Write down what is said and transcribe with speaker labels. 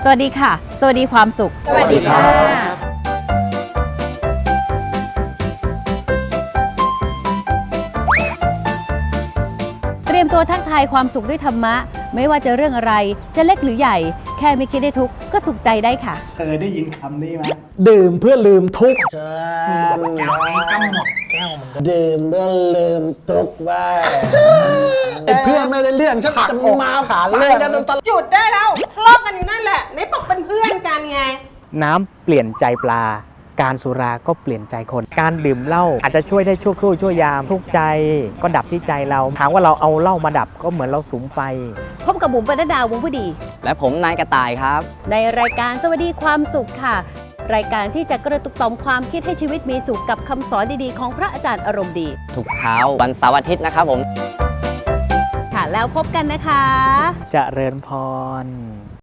Speaker 1: วัสดีค่ะสวัสดีความสุข
Speaker 2: สวัสดีค่ะ
Speaker 1: เตรียมตัวทักทายความสุขด้วยธรรมะไม่ว่าจะเรื่องอะไรจะเล็กหรือใหญ่แค่ไม่คิดได้ทุกข์ก็สุขใจได้ค่ะ
Speaker 3: เคยได้ยินคำนี้ไหม
Speaker 4: ดื่มเพื่อลืมทุกข์
Speaker 3: แก้วนี้ก็หมดแก้วมันก็
Speaker 4: ดื่มเพื่อลืมทุกข์บ้างไอ้เพื่อนไม่ได้เรื่องฉันจะมาผ่านเรื่องกันตลอด
Speaker 2: หยุดได้แล้วทะเลาะกันอยู่นั่นแหละไหนบอกเป็นเพื่อนกันไง
Speaker 5: น้ำเปลี่ยนใจปลา การสุราก็เปลี่ยนใจคน การดื่มเหล้าอาจจะช่วยได้ชั่วครู่ชั่วยามทุกข์ใจก็ดับที่ใจเราถามว่าเราเอาเหล้ามาดับก็เหมือนเราสุมไฟ
Speaker 1: พบกับบุ๋มปนัดดาวงผู้ดี
Speaker 6: และผมนายกระต่ายครับ
Speaker 1: ในรายการสวัสดีความสุขค่ะ รายการที่จะกระตุกต่อมความคิดให้ชีวิตมีสุขกับคำสอนดีๆของพระอาจารย์อารมณ์ดี
Speaker 6: ทุกเช้าวันเสาร์อาทิตย์นะครับผม
Speaker 1: ค่ะแล้วพบกันนะคะ
Speaker 5: เจริญพร